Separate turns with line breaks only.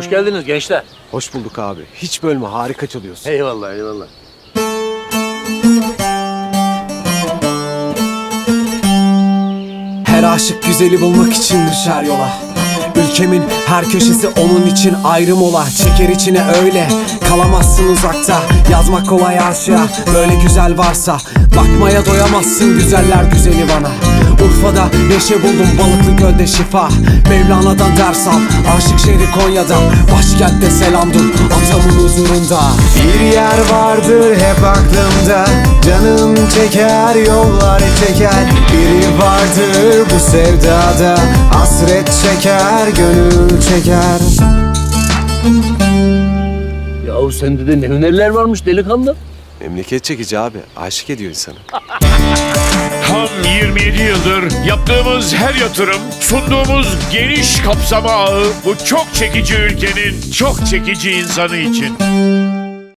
Hoş geldiniz gençler.
Hoş bulduk abi. Hiç bölme, harika çalıyorsun.
Eyvallah eyvallah.
Her aşık güzeli bulmak için düşer yola. Ülkemin her köşesi onun için ayrım ola. Çeker içine öyle, kalamazsın uzakta. Yazmak kolay aşağı, böyle güzel varsa. Bakmaya doyamazsın güzeller güzeli bana. Urfa'da neşe buldum, Balıklı Göl'de şifa. Mevlana'dan ders al, aşık şehri Konya'da. Başkentte selamdım, atamın huzurunda.
Bir yer vardır hep aklımda, canım çeker yollar çeker. Biri vardır bu sevdada, hasret çeker gönül çeker.
Yahu sende de ne hünerler varmış delikanlı.
Memleket çekici abi, aşık ediyor insanı.
Tam 27 yıldır yaptığımız her yatırım, sunduğumuz geniş kapsama ağı bu çok çekici ülkenin çok çekici insanı için.